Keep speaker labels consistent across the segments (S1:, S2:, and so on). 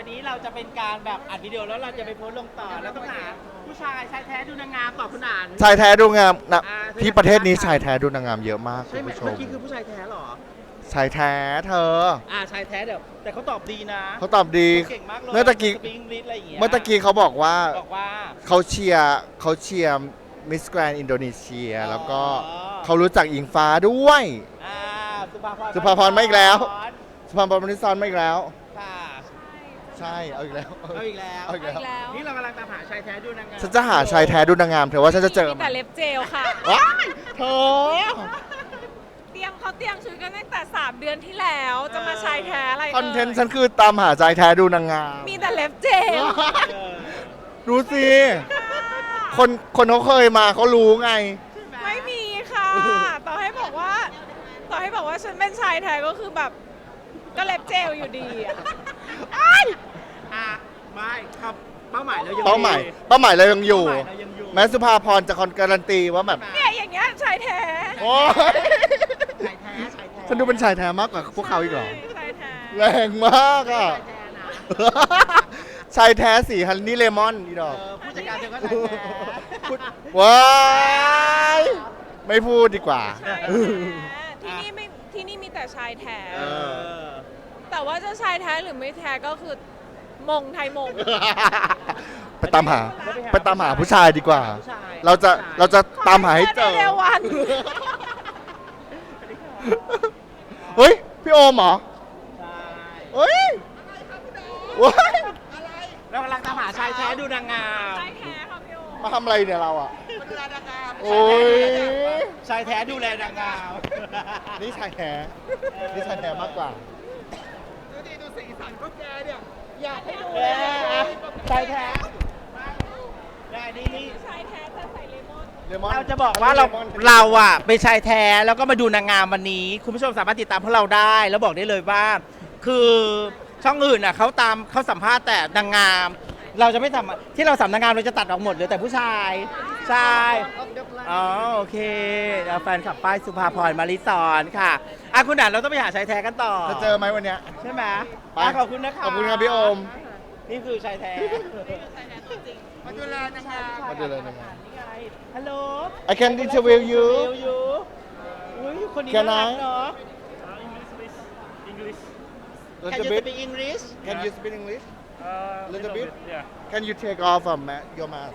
S1: ไปนี้เราจะเป็นการแบบอัดวิดีโอแล้วเราจะไปโพสต์ลงต่อแล้วต้องหาผู้ชายชายแท้ดูนางงามตอบคุณอ่าน
S2: ชายแท้ดูงามนะ
S1: อ่า
S2: ที่ประเทศนี้ชายแท้ดูนางงามเยอะมากคุ
S1: ใช่
S2: ณ
S1: ไหม
S2: ผู้ช
S1: เมื่
S2: ม
S1: อกี้คือผู้ชายแท้เหรอ
S2: ชายแท้เธอ
S1: ชายแท้เดี๋ยวแต่เขาตอบดีนะ
S2: เขาตอบดี
S1: เขาเก่งมากเลย
S2: เมื่อตะกี้
S1: สปีกอังกฤษอะไรอย่างเงี้ย
S2: เมื่อตะกี้เขาบอกว่า
S1: บอกว่า
S2: เขาเชียร์มิสแกรนอินโดนีเซีย
S1: อ๋อ
S2: แล้วก็เขารู้จักอิงฟ้าด้วย
S1: อ่าสุภาพร
S2: สุภาพรมาอีกแล้ว สุพรรณบุรีซอนมาอีกแล้ว
S1: ค่ะ
S2: ใช่เอาอีกแล้ว
S1: เอาอีกแล้ว
S2: เอาอีกแล้ว
S3: แล้ว
S1: นี่เรากำลังตามหาชายแท้ดูนางงาม
S2: ฉันจะหาชายแท้ดูนางงามเธอว่าฉันจะเจอ
S3: มี
S2: ไหม
S3: แต่เล็บเจลค่ะ
S2: ว้ายเธอ
S3: เขาเตรียมชุดกันตั้งแต่ 3 เดือนที่แล้วจะมาชายแท้อะไร
S2: คอนเทนต์ฉันคือตามหาชายแท้ดูนางงาม
S3: มีแต่เล็บเจล
S1: เออ
S2: ดูสิ คนเขาเคยมาเขารู้ไง
S3: ไม่มีค่ะ ต่อให้บอกว่าฉันเป็นชายแท้ก็คือแบบก็เล็บเจลอยู่ดีอะ
S1: อ่ะไม่ครับเป้าหมายเรายัง
S2: เป้าหมายเรายังอยู่
S1: เป้าหมายเรายังอยู่
S2: แม้สุภาพรจะการันตีว่าแบบ
S3: เนี่ยอย่างเงี้ยชายแท้
S2: โอ้ย
S1: ชายแท้ชายแท้
S2: ฉันดูเป็นชายแท้มากกว่าพวกเขาอีกเหรอ
S3: ชายแท้
S2: แรงมากอ่ะ
S1: ชายแท้นะ
S2: ชายแท้สีฮันนี่เลมอนอีดอก
S1: ผู้จัดการเธอก็ชายแท้
S2: ว้ายไม่พูดดีกว่า
S3: ชายแท้ที่นี่มีแต่ชายแท้
S2: เออ
S3: แต่ว่าจะชายแท้หรือไม่แท้ก็คือมงไทยมง
S2: ไปตามหาผู้ชายดีกว่า
S1: ผู้ชาย
S2: เราจะตามหาให้เจอ
S3: เร็ววัน
S2: เฮ้ย พี่โอมเหรอ
S1: ใช่
S2: เฮ้ยว้าย
S1: เรากำลังตามหาชายแท้ดูนางงาม
S3: ชายแท้ค่ะพี่โอ
S2: มาทำอะไรเนี่ยเราอ่ะ
S1: ดูแลนางงาม
S2: โอ้ย
S1: ชายแท้ดูแลนางงาม
S2: นี่ชายแท้นี่ชายแท้มากกว่า
S1: ดูสีสันก็แกเนี่ยอยากให้ดูชายแท้ได้นี่
S3: ชายแท้จะใส่เลมอน
S2: เลมอน
S1: เราจะบอกว่าเราอ่ะเป็นชายแท้แล้วก็มาดูนางงามวันนี้ คุณผู้ชมสามารถติดตามพวกเราได้ แล้วบอกได้เลยว่า คือช่องอื่นอ่ะเขาสัมภาษณ์แต่นางงาม เราจะไม่ทำที่เราสัมนางงามเราจะตัดออกหมดเหลือแต่ผู้ชายใช่อ๋อโอเคแล้วแฟนขับป้ายสุภาพรมาริสอนค่ะคุณด่านเราต้องไปหาชายแท้กันต่อ
S2: จะเจอไหมวันเนี้ย
S1: ใช่ไหม
S2: ไป
S1: ขอบคุณนะคะ
S2: ขอบคุณครับพี่โอม
S1: นี่คือชายแท้มาดูแลนางงาม
S2: มาดูแลนางงาม
S1: นี่ไงฮัลโหล
S2: I can interview you
S1: อุ้ยคนนี้
S2: Can
S1: น่ารัก
S2: I?
S1: เนาะ
S4: English.
S1: Can
S2: little
S1: you
S2: bit
S1: speak English
S2: Can you speak English
S4: Little
S2: bit?
S4: Yeah.
S2: Can you take off your mask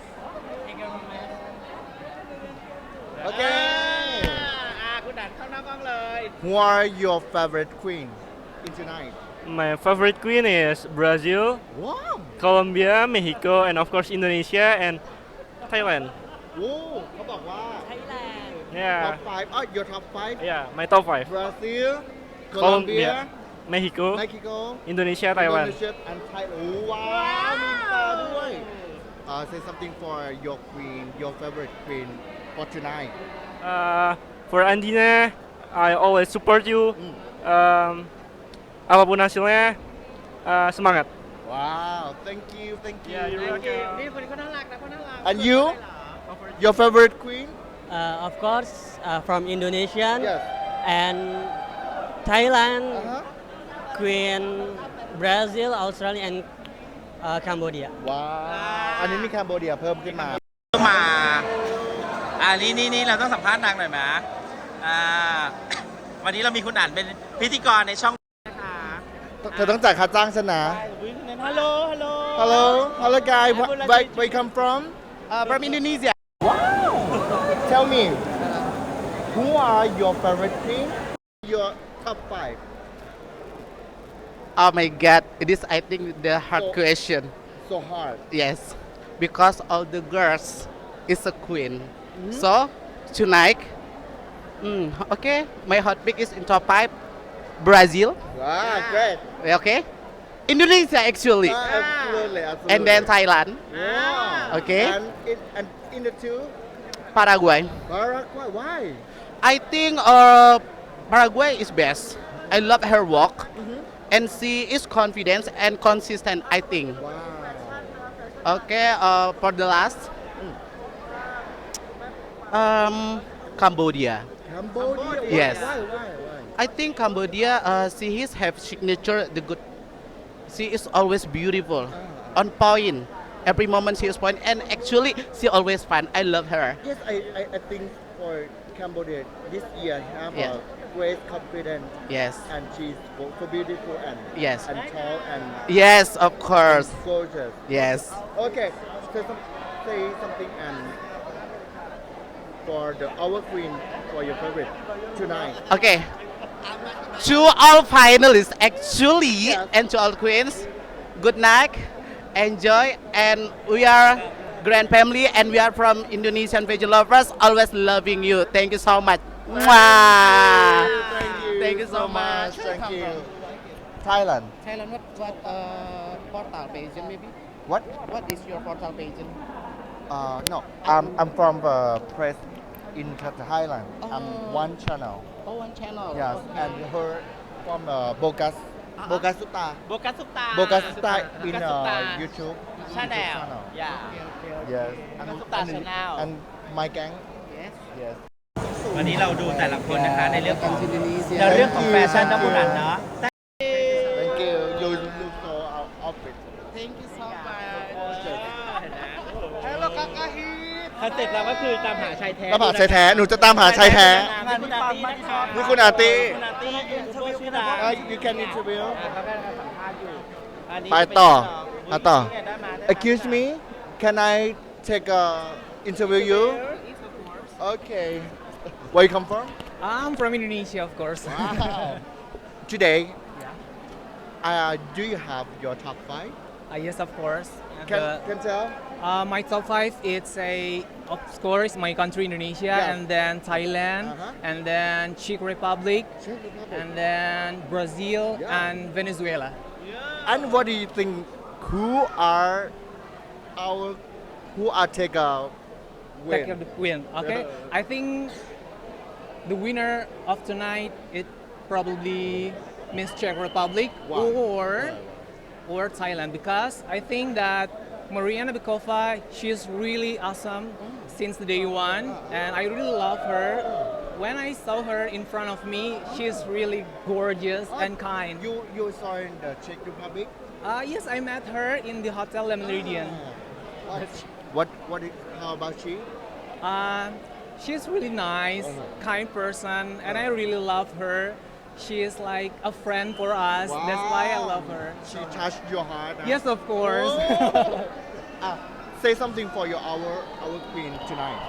S2: Okay
S1: คุณด่านเข้าหน้ากล้องเลย
S2: Who are your favorite queen in tonight
S4: My favorite queen is Brazil,
S2: Wow
S4: Colombia, Mexico, and of course Indonesia and Thailand.
S2: โอ้เขาบอกว่า
S3: ไทยแลนด์
S4: Yeah.
S2: top 5 your top 5
S4: Yeah, my top 5.
S2: Brazil
S4: Colombia,
S2: Colombia
S4: Mexico,
S2: Mexico
S4: Indonesia, Taiwan.
S2: Indonesia and Thailand โอ้ว้าวมีตาด้วย Say something for your queen your favorite queen for tonight
S4: For Andina, I always support you. Apapun hasilnya, semangat.
S2: Wow thank you
S4: Yeah, you're welcome.
S1: นี่คนนี้เขาน่ารักนะเขาน่ารัก
S2: And you your favorite queen
S5: Of course, from Indonesian
S2: Yes
S5: and Thailand,
S2: Uh-huh.
S5: Queen, Brazil, Australia, and Cambodia.
S2: ว้าวอันนี้มีแคนโบเดียเพิ่มขึ้นมา
S1: มานี่เราต้องสัมภาษณ์นางหน่อยไหมวันนี้เรามีคุณอ่านเป็นพิธีกรในช่องนะคะ
S2: เธอต้องจ่ายค่าจ้างฉันนะ
S1: ฮัลโหล
S2: Hello guys where you come from
S1: from Indonesia
S2: Tell me who are your favorite queen your top 5
S6: Oh my God, it is I think the hard
S2: So-
S6: question.
S2: so hard
S6: Yes, because all the girls is a queen. So tonight, okay, my hot pick is in top 5, Brazil.
S2: wow great
S6: Okay, Indonesia actually,
S2: absolutely
S6: and then Thailand,
S2: wow
S6: Okay.
S2: and in the two
S6: Paraguay.
S2: Paraguay why
S6: I think Paraguay is best. I love her walk, and she is confident and consistent. I think.
S2: wow
S6: Okay, for the last, Cambodia.
S2: Cambodia
S6: Yes.
S2: why
S6: I think Cambodia, she is have signature the good she is always beautiful, on point. Every moment she is point, and actually she always fun. I love her.
S2: Yes, I think for Cambodia this year have
S6: Yeah.
S2: a great confidence
S6: Yes,
S2: and she's so beautiful and
S6: Yes.
S2: and tall and
S6: yes, of course.
S2: gorgeous.
S6: Yes.
S2: Okay, say something and for our queen for your favorite tonight.
S6: Okay. To all finalists, actually,
S2: Yes.
S6: and to all queens, good night, enjoy, and we are grand family, and we are from Indonesian vegan lovers, always loving you. Thank you so much. Mwah. Thank you so much.
S2: Thank you. Thailand.
S6: Thailand, what portal Beijing maybe?
S2: What?
S6: What is your portal Beijing?
S2: No, I'm from press in Thailand. I'm
S6: Oh.
S2: one channel.
S6: Oh, one channel.
S2: Yes,
S6: Okay.
S2: and her from Bogas Suta.
S1: โบกัสซุปตา
S2: Bogas Suta in
S1: Bokasuta
S2: YouTube.
S1: Channel
S2: channel.
S1: อย่า
S2: Yes.
S1: Bokasuta channel.
S2: And my gang.
S6: Yes.
S2: Yes.
S1: วันนี้เราดูแต่ละคนนะคะในเรื่องของ
S6: Indonesia.
S1: ในเรื่องของแฟชั่นนะคุณอันเนาะ
S2: Thank you. You look so outfit.
S6: Thank you so much.
S1: คอนเซ็ปต์เราก็คือตามหาชายแท้
S2: ตามหาชายแท้ หนูจะตามหาชายแท้
S1: งานคุณอาร์ตี้นะคะ
S2: นี่คุณอาร์ตี้
S1: คุณอาร์ตี้ยูทูบเบอร์ชื่อดัง
S2: You can interview.
S1: เขาก็สัมภาษณ์อยู่อันนี้
S2: ไปต่อ
S1: จะเป็น
S2: ต่อ
S1: ได้มาได้มา
S2: Excuse me. Can I take a interview you? Okay. Where you come from?
S7: I'm from Indonesia, of course.
S2: Wow. Today, do you have your top 5?
S7: Yes, of course.
S2: Can tell?
S7: My top 5, it's of course, my country, Indonesia,
S2: Yeah.
S7: and then Thailand,
S2: Uh-huh.
S7: and then Czech Republic,
S2: Czech Republic.
S7: and then Brazil,
S2: Yeah.
S7: and Venezuela.
S2: And what do you think? Who are take a
S7: Take
S2: win?
S7: the win. Okay,
S2: Yeah.
S7: I think the winner of tonight it probably Miss Czech Republic
S2: Wow.
S7: or Thailand, because I think that Mariana Bikova, she's really awesome since the day one, and I really love her. When I saw her in front of me, she's really gorgeous and kind.
S2: You saw in the Czech Republic?
S7: Yes, I met her in the Hotel Le Meridian.
S2: How about she?
S7: She's really nice, kind person, and I really love her. She is like a friend for us. That's why I love her.
S2: She touched your heart. Huh?
S7: Yes, of course.
S2: Say something for our queen tonight.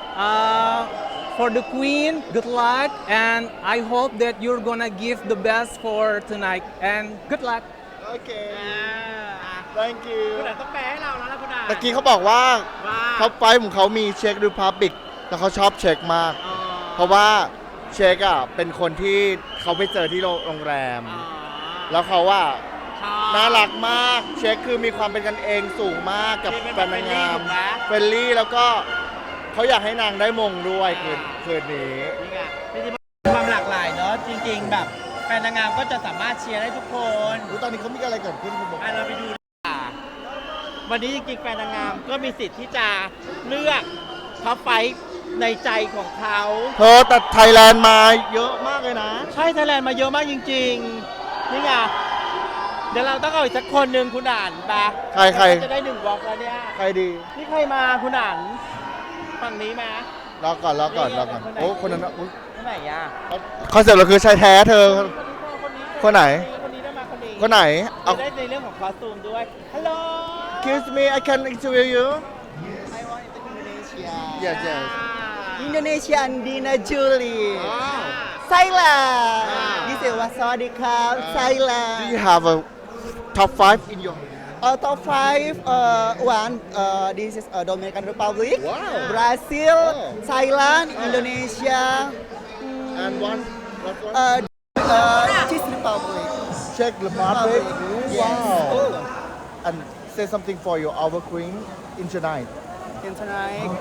S7: For the queen, good luck, and I hope that you're gonna give the best for tonight. And good luck.
S2: Okay.
S1: อ่า
S2: Thank you.
S1: คุณอันต้องแปลให้เราแล้วนะคุณอัน
S2: ตะกี้เขาบอกว่า
S1: ว่า
S2: เขาไฟล์ของเขามีเช็คริพับบิกแล้วเขาชอบเช็คมาก
S1: อ๋อ
S2: เพราะว่าเช็คอ่ะเป็นคนที่เขาไปเจอที่โรงแรม
S1: อ๋อ
S2: แล้วเขาว่า
S1: ชอบ
S2: น่ารักมาก เช็คคือมีความเป็นกันเองสูงมากกับ
S1: เป็น
S2: แฟ
S1: แบบ
S2: นนางงาม
S1: เฟรนลี่ถูกไหม
S2: เฟรนลี่แล้วก็เขาอยากให้นางได้มงด้วยคืนนี้
S1: นี่ไงจริงๆมันมีความหลากหลายเนาะจริง ๆ แบบแฟนนางงามก็จะสามารถเชียร์ได้ทุกคน
S2: อุ๊ยตอนนี้เขามีอะไรเกิดขึ้นคุณบอก
S1: เราไปดูดีกว่าวันนี้จริงๆแฟนนางงามก็มีสิทธิ์ที่จะเลือกท็อปไฟท์ในใจของเขา
S2: เธอแต่ไทยแลนด์มาเยอะมากเลยนะ
S1: ใช่ไทยแลนด์มาเยอะมากจริงๆนี่ไงเดี๋ยวเราต้องเอาอีกสักคนหนึ่งคุณอ่านปะ
S2: ใคร
S1: เราจะได้1 บล็อกแล้วเนี่ย
S2: ใครดี
S1: นี่ใครมาคุณอ่านฝั่งนี้มา
S2: รอก่อนโอ้คนนั้นอุ๊ย
S1: ที่ไหนอ่ะ
S2: คอนเซ็ปต์เราคือชายแท้เธอ คนไหน
S1: คนนี้ได้มาคนนี้
S2: คนไหนเอา
S1: จะได้ในเรื่องของคอสตูมด้วยฮัลโหล
S2: Excuse me I can interview you
S8: I want to Indonesia.
S2: Yes
S8: Indonesia and Dina Julie.
S2: Wow.
S8: Thailand.
S2: Ah.
S8: This is Wasadikap, Thailand.
S2: Do you have a top 5 in your
S8: Top 5, one, this is Dominican Republic,
S2: Wow.
S8: Brazil,
S2: Oh.
S8: Thailand, Indonesia,
S2: and one last one
S8: Czech Republic.
S2: Czech Republic
S8: Yes.
S2: Wow and say something for your our queen in tonight
S8: And tonight.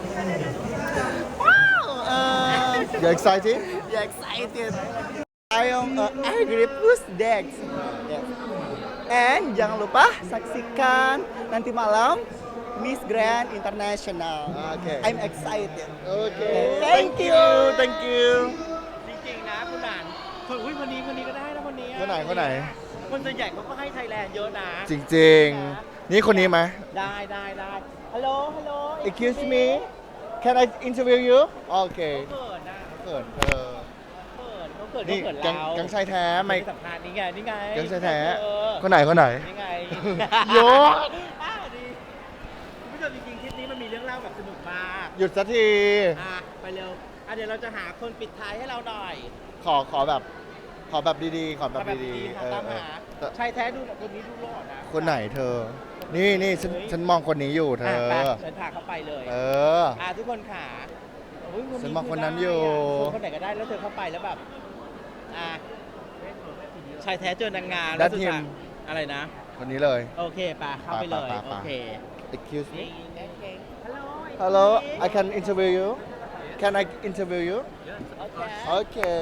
S8: Wow!
S2: you excited
S8: You're excited. I am Agri Plus Dex. Yes. And jangan lupa saksikan nanti malam Miss Grand International.
S2: Okay.
S8: I'm excited.
S2: Okay
S8: Thank you.
S2: Thank you
S1: จริงๆนะคุณอ่านคนนี้ก็ได้นะคนนี้
S2: คนไหน
S1: คนส่วนใหญ่เขาก็ให้ไทยแลนด์เยอะนะ
S2: จริงๆ นี่คนนี้ไหม
S1: ได้ฮัลโหล
S2: Excuse me Can I interview you โอเค
S1: เขินนะ
S2: เกิดเธอ
S1: เขาเขิน
S2: นี่
S1: เขาเขิน
S2: แก๊ง
S1: เรา
S2: แก๊งชายแท้ไม่
S1: ไม่สัมภาษณ์นี่ไง
S2: แก๊งชายแท้
S1: เออ
S2: คนไหน
S1: นี่ไง
S2: โย
S1: ดีคุณผู้ชมจริงๆคลิปนี้มันมีเรื่องเล่าแบบสนุกมาก
S2: หยุดสักที
S1: ไปเร็วเดี๋ยวเราจะหาคนปิดท้ายให้เราหน่อย
S2: ขอแบบดีๆ ขอแบบดีๆ
S1: ค่ะตามหา
S2: แต่
S1: ชายแท้ดูคนนี้ดูหล่อนะ
S2: คนไหนเธอ นี่ฉันมองคนนี้อยู่เธอ
S1: ไปฉันพาเขาไปเลย
S2: เออ
S1: ทุกคนขาโอ้ย
S2: ฉันมองคนนั้นอยู่
S1: คนไหนก็ได้แล้วเธอเข้าไปแล้วแบบชายแท้เจอนางงาม
S2: ดั
S1: แล้
S2: ต
S1: วสุด
S2: ทีม
S1: ท้ายอะไรนะ
S2: คนนี้เลย
S1: โอเคป่ะเข้าไปเลย
S2: ไป
S1: โอเค
S2: Excuse me
S1: นี่ฮัลโหล
S2: Hello I can interview you Can I interview you
S1: โอเค
S2: Okay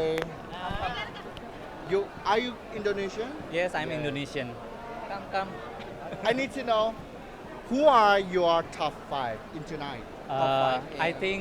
S2: Are you Indonesian
S4: Yes, I'm Indonesian. Come.
S2: I need to know who are your top 5 in tonight
S4: I think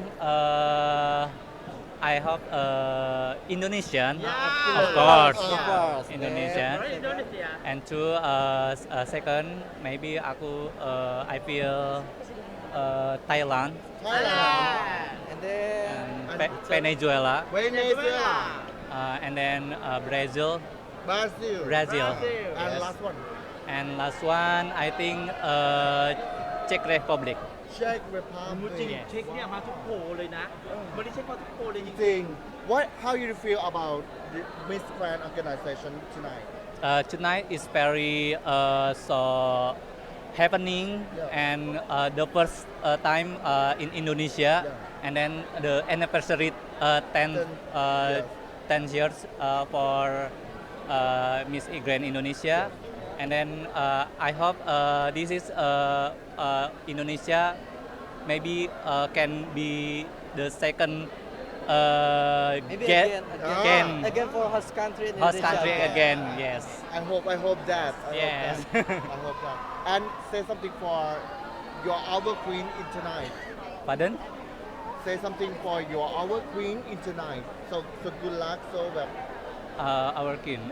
S4: I hope Indonesian,
S1: Yeah.
S4: of course,
S2: Of course.
S4: Indonesian.
S1: Indonesia
S4: And two, second, maybe I feel Thailand
S2: Thailand
S8: And then
S4: and Venezuela,
S2: Venezuela
S4: and then Brazil,
S2: Brazil and
S4: Yes.
S2: last one
S4: and last one I think Czech Republic.
S2: Czech
S1: จริง
S2: Republic
S1: เช็คเนี่ยมาทุกโพลเลยนะวันนี้เช็คมาทุกโพลเลยจริง
S2: จริง How you feel about the Miss Grand organization tonight
S4: Tonight is very so happening
S2: Yeah.
S4: and the first time in Indonesia
S2: Yeah.
S4: and then the anniversary
S2: yes.
S4: 10 years for Miss Grand Indonesia and then I hope this is Indonesia maybe can be the second
S8: maybe
S4: get
S8: again for host country in
S4: host
S8: Indonesia.
S4: country again. Yes.
S2: I hope that
S4: Yes.
S2: I hope that and say something for your our queen in tonight
S4: Pardon?
S2: say something for your our queen in tonight so good luck so แบบ
S4: Our king.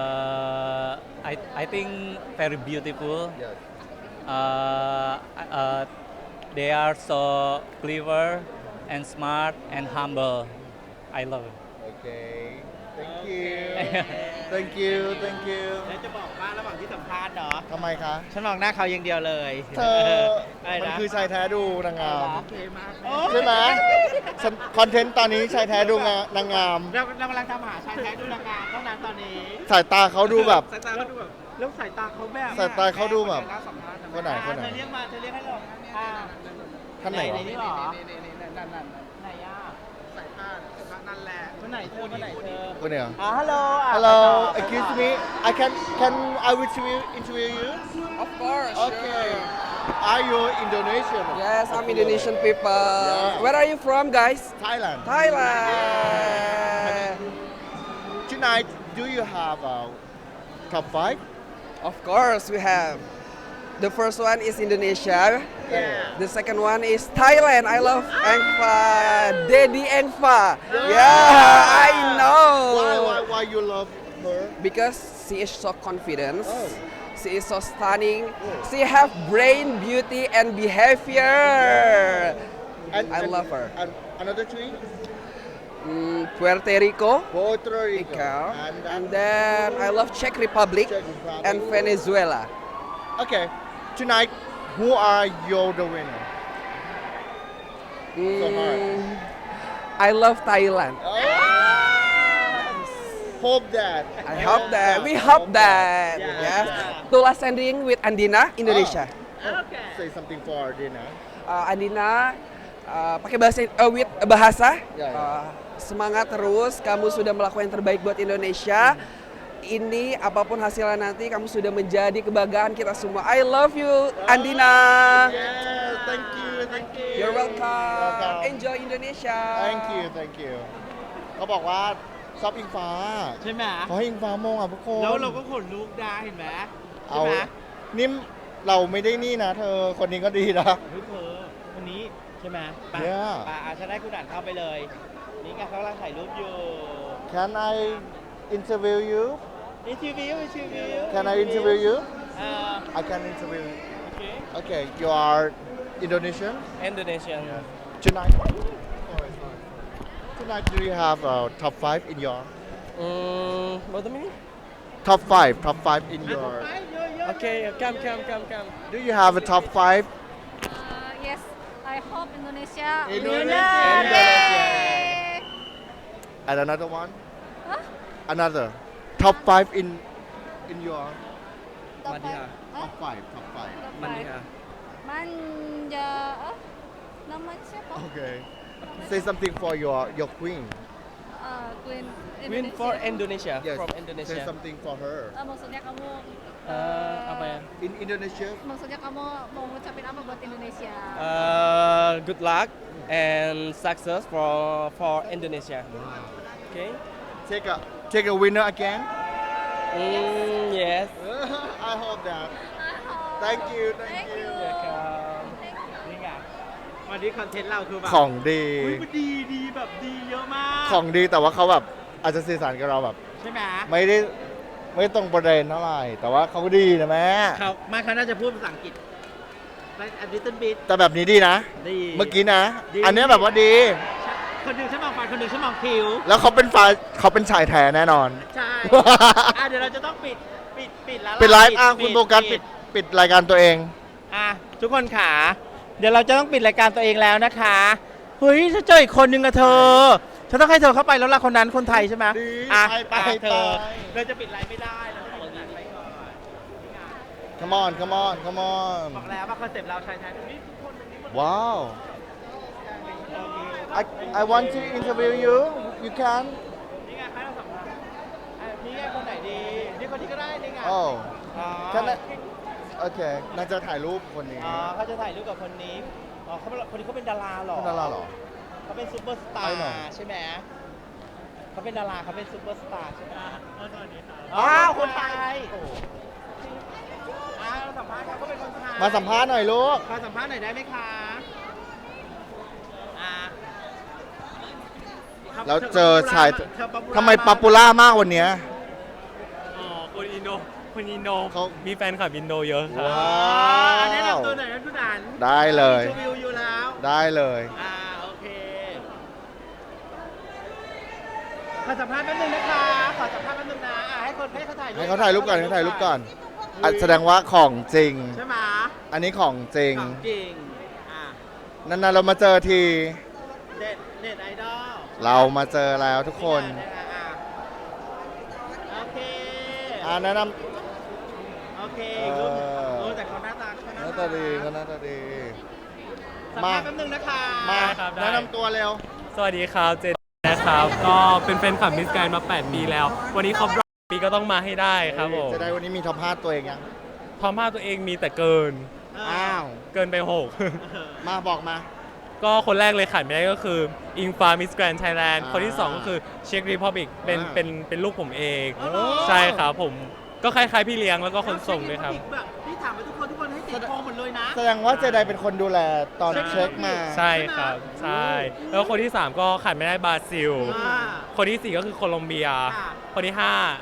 S4: I think very beautiful.
S2: yes
S4: They are so clever and smart and humble. I love it.
S2: okay thank you thank you thank you
S1: แล้วจะบอกว่าระหว่างที่สัมภาษณ์เนาะ
S2: ทำไมคะ
S1: ฉันมองหน้าเขาอย่างเดียวเลย
S2: เธอ
S1: อะไร
S2: มัน
S1: นะ
S2: คือชายแท้ดูนางงาม
S1: โอเคมาก
S2: ใช่ไหมฉันคอนเทนต์ตอนนี้ชายแท้ดูนางงาม
S1: เรากำลังทำหาชายแท้ดูนางงามเท่านั้นตอนนี้
S2: สายตาเขาดูแบบ
S1: สายตาเขาดูแบบแล้วสายตาเขาแบบ
S2: สายตาเขาดูแบบ
S1: น่าสัมภาษณ์
S2: คนไหน
S1: เธอเรียกให้เรา
S2: ท่านไหนวะ
S1: นี่หรอไหนอ่ะสายตานั่นแหละคนไหนเธอคนไหนเธอ
S2: คนเนี่ย
S1: ฮัลโหล
S2: Hello excuse me can I will interview you
S9: Of course.
S2: okay are you Indonesian
S9: Yes, I'm Indonesian people.
S2: Yeah.
S9: Where are you from, guys?
S2: Thailand
S9: Thailand.
S2: tonight do you have a top 5
S9: Of course, we have. The first one is Indonesia.
S2: yeah
S9: The second one is Thailand. I love Engfa. Daddy Engfa. Yeah, I know.
S2: why you love her
S9: Because she is so confident.
S2: Oh.
S9: She is so stunning. She have brain, beauty, and behavior. I love her.
S2: and another three
S9: Puerto Rico.
S2: Puerto Rico
S9: Rico.
S2: and
S9: And then I love Czech Republic
S2: Czech Republic.
S9: and Venezuela.
S2: okay tonight who are you the winner So hard.
S9: I love Thailand.
S2: hope that
S9: I hope that. We hope that.
S1: Yeah.
S9: Yes. Tula sending with Andina, Indonesia.
S2: say something for Dina
S9: Andina pakai bahasa.
S2: Ya, ya.
S9: Semangat terus. Kamu sudah melakukan yang terbaik buat Indonesia. Ini apapun hasilnya nanti kamu sudah menjadi kebanggaan kita semua. I love you, Andina.
S2: yes thank you
S9: You're welcome.
S2: Welcome.
S9: Enjoy Indonesia.
S2: thank you เขาบอกว่าชอบอิงฟ้า
S1: ใช่ไหม
S2: เขาให้อิงฟ้ามงอ่ะทุกคน
S1: แล้วเราก็ขนลุกได้เห็นไหมใช่
S2: เอา
S1: ไหม
S2: นิ่มเราไม่ได้นี่นะเธอคนนี้ก็ดีนะ
S1: เฮ้ยเธอคนนี้ใช่ไหมไป
S2: Yeah.
S1: ไปฉันได้คุณอ่านเข้าไปเลย นี่ไงเขากำลังถ่ายรูปอยู่
S2: Can I interview you
S1: interview
S2: Can I interview you?
S1: uh,
S2: I can interview you.
S1: okay
S2: Okay, you are Indonesian?
S1: Indonesian
S2: Tonight, tonight do you have top 5 in your
S8: What do you mean?
S2: top 5 in your
S8: Okay, come.
S2: do you have a top 5?
S10: Yes, I hope Indonesia.
S2: Indonesia. And another one?
S10: Huh?
S2: Another top 5 in your
S10: Top five.
S2: top 5 top 5.
S10: Manja. Namanya siapa?
S2: Okay. Say something for your queen.
S10: Queen
S8: Win for Indonesia.
S2: Yes.
S8: From
S2: Say
S8: Indonesia.
S2: something for her.
S10: Maksudnya kamu
S8: Apa ya?
S2: In Indonesia,
S10: maksudnya kamu mau ngucapin apa buat Indonesia?
S8: Good luck and success for Indonesia. Okay.
S2: take a winner again.
S8: Yes.
S2: I hope that. Thank you.
S10: Thank you.
S1: นี่ไงวันนี้คอนเทนต์เราคือแบบ
S2: ของดี
S1: อุ๊ยมันดีแบบดีเยอะมาก
S2: ของดีแต่ว่าเขาแบบอาจจะสื่อสารกับเราแบบ
S1: ใช่ไหม
S2: ไม่ตรงประเด็นเท่าไหร่ แต่ว่าเขาก็ดีนะแม่
S1: เขาไม่เขาน่าจะพูดภาษาอังกฤษ a little bit
S2: แต่แบบนี้ดีนะ
S1: ดี
S2: เมื่อกี้นะ
S1: ดี
S2: อันเนี้ยแบบว่าดี
S1: คนหนึ่งฉันมองฟันคนหนึ่งฉันมองคิ้ว
S2: แล้วเขาเป็นชายแท้แน่นอน
S1: ใช่ เดี๋ยวเราจะต้องปิดแล้ว
S2: ปิดไลฟ์คุณโฟกัสปิดรายการตัวเอง
S1: ทุกคนขาเดี๋ยวเราจะต้องปิดรายการตัวเองแล้วนะคะเฮ้ยถ้าเจออีกคนนึงอะเธอฉันต้องให้เธอเข้าไปแล้วล่ะคนนั้นคนไทยใช่ไหม
S2: ดี ไป
S1: เธอ
S2: ไป
S1: เราจะปิดไลฟ์ไม่ได้เราต้องปิดไลฟ์ไปก่อน
S2: come on
S1: บอกแล้วว่าคอนเซ็ปต์เราชายไทยนี่ทุกคนเป็นนี้หมด
S2: ว้าว I want to interview you you can
S1: นี่ไงใครเราสัมภาษณ์นี่ไงคนไหนดีนี่คนที่ก็ได้นี่ไง
S2: oh
S1: อ๋อ
S2: can I โอเคน่าจะถ่ายรูปคนนี้
S1: เขาจะถ่ายรูปกับคนนี้คนนี้เขาเป็นดาราเหรอ
S2: เป็นดาราเหรอ
S1: เขาเป็นซูเปอร์สตา
S2: ไป
S1: ร์
S2: หน่อย
S1: ใช่ไหมเขาเป็นดาราเขาเป็นซูเปอร์สตาร์ใช่ไหม
S4: สวัสดีครับ
S1: คนไทยเราสัมภาษณ์เขาเป็นคนไทย
S2: มาสัมภาษณ์หน่อยลูก
S1: มาสัมภาษณ์หน่อยได้ไหมคะ
S2: แล้วเจอชาย
S1: เธอ popular
S2: ทำไมป๊อปปูล่ามากวันเนี้ย
S4: อ๋อคนอินโด
S2: เขา
S4: มีแฟนคลับอินโดเยอะครับ
S2: ว้า
S1: แนะ
S2: ว
S1: นำตัวหน่อยนะคุณอัน
S2: ได้เลย
S1: ชมวิวอยู่แล้ว
S2: ได้เลย
S1: โอเคขอสัมภาษณ์แป๊บนึงนะคะขอสัมภาษณ์แป๊บนึงนะให้เขาถ่ายรูป
S2: ให้เขาถ่ายรูปก่อนให้ถ่ายรูปก่อนแสดงว่าของจริง
S1: ใช่ไหม
S2: อันนี้ของจริง
S1: ของจริง
S2: นานๆเรามาเจอที
S1: เด็ดไอดอล
S2: เรามาเจอแล้วทุกคน
S1: โอเค
S2: แนะน
S1: โอเค
S2: เออ
S1: แต่เขาหน้าตา
S2: ำหน้าตาดีก็หน้าตาดี
S1: สัมภาษณ์แป๊บนึงนะคะ
S2: มา
S4: ครับได้
S2: แนะนำตัวเร็ว
S4: สวัสดีครับเจนนะครับ ก็เป็นแฟนคลับมิสแกรนมา 8 ปีแล้ว วันนี้ครบรอบปีก็ต้องมาให้ได้ครับผม
S2: จะได้วันนี้มีท็อป5ตัวเองยัง
S4: พอมาตัวเองมีแต่เกิน
S2: อ้าว
S4: เกินไป
S2: มาบอกมา
S4: 6 ก็คนแรกเลยขาดไม่ได้ก็คืออิงฟ้ามิสแกรนไทยแลนด์
S2: อ่า
S4: คนที่ 2 ก็คือเช็กรีพับบิกเป็นลูกผมเอง
S1: อ๋อเหรอ
S4: ใช่ครับผมก็คล้ายๆพี่เลี้ยงแล้วก็คนส่งด้วยครับ
S1: พี่ถามไปทุกคนให้ติดโพลหมดเลยนะ
S2: แสดงว่าเจไดเป็นคนดูแลตอนเช็คมา
S4: ใช่ครับ ใช่ แล้วคนที่ 3 ก็ขาดไม่ได้บราซิล
S1: อ่า
S4: คนที่ 4 ก็คือโคลอมเบีย
S1: ค่ะ
S4: คนที่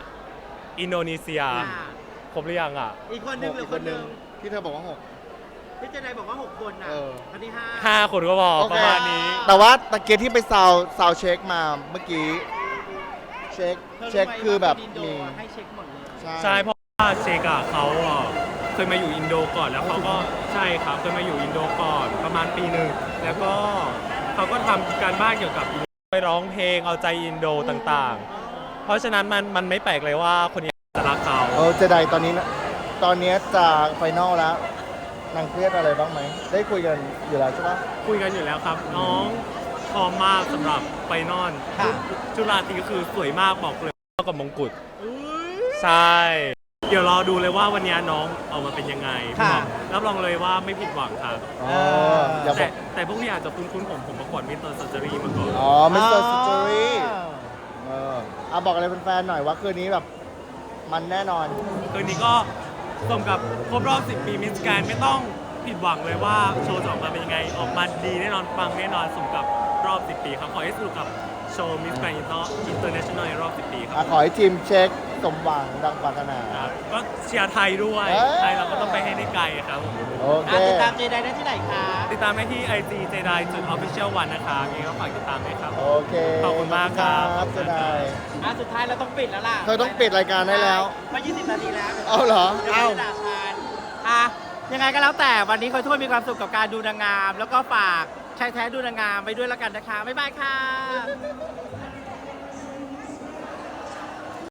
S4: 5 อินโดนีเซีย ครบหรือยังอ่ะ
S1: อีกคนนึงหรือคนนึง
S2: ที่เธอบอกว่า
S1: พี่เจไดบอกว่า 6 คนนะ
S2: เออ
S1: คนที่
S4: 5 คนก็บอก
S2: 6
S4: ประมาณนี้
S2: แต่ว่าตะเกียที่ไปซาวเช็คมาเมื่อกี้ เช็คคือแบบ
S1: มี
S2: มี
S1: ให้เช็คหมดเลย
S4: ใช่เพราะว่าเชกอะเขาเคยมาอยู่อินโดก่อนแล้วเขาก็ใช่ครับเคยมาอยู่อินโดก่อนประมาณปีหนึ่งแล้วก็เขาก็ทำการบ้านเกี่ยวกับไปร้องเพลงเอาใจอินโดต่างๆ เพราะฉะนั้นมันไม่แปลกเลยว่าคนนี้จะรักเขา
S2: เจไดตอนนี้จะไฟนอลแล้วนางเครียดอะไรบ้างไหม ได้คุยกันอยู่แล้วใช่ปะ
S4: คุยกันอยู่แล้วครับ น้องพร้อมมากสำหรับไฟนอล
S1: ค่ะ
S4: จุฬาตรีก็คือสวยมากบอกเลยเท่ากับมงกุฎใช่ เดี๋ยวรอดูเลยว่าวันนี้น้องออกมาเป็นยังไง
S1: ค่ะ
S4: รับรองเลยว่าไม่ผิดหวังครับ
S2: อย่าบ
S4: แต่
S2: อก
S4: แต่พวกนี้อาจจะคุ้นๆผมประกวดมิสเตอร์ซัจจารีมาก่อน
S2: มิสเตอร์สตอรี่บอกอะไรแฟนๆหน่อยว่าคืนนี้แบบมันแน่นอน
S4: คืนนี้ก็สมกับครบรอบ 10 ปีมิสแกรนด์ไม่ต้องผิดหวังเลยว่าโชว์จะออกมาเป็นยังไง ออกมาดีแน่นอนปังแน่นอนสมกับรอบ 10 ปีครับ ขอให้สนุกกับโชว์มิสแกรนด์อินเตอร์เนชั่นแนลในรอบ 10 ปีครับ
S2: ขอให้ทีมเช็คสมหวังดังปรารถนา
S4: ครับก็เชียร์ไทยด้วย
S2: เอ้ย
S4: ไทยเราก็ต้องไปให้ได้ไกลครับผม
S2: โอเค
S1: ติดตามเจไดได้ที่ไหนคะ
S4: ติดตามได้ที่ IG JEDI.official 1นะครับยังไงก็ฝากติดตามด้วยครับ
S2: โอเค
S4: ขอบคุณมากครับ
S2: จะได้
S1: สุดท้ายเราต้องปิดแล้วล่ะ
S2: เธอต้องปิดรายการได้แล้ว
S1: มา20 นาทีแล้ว
S2: เอาเหรอ
S1: เดี๋ยว
S2: เอา
S1: จะด่าทานยังไงก็แล้วแต่วันนี้คอยทั่วมีความสุขกับการดูนางงาม แล้วก็ฝากชายแท้ดูนางงามไปด้วยแล้วกันนะคะ บ๊ายบายค่ะ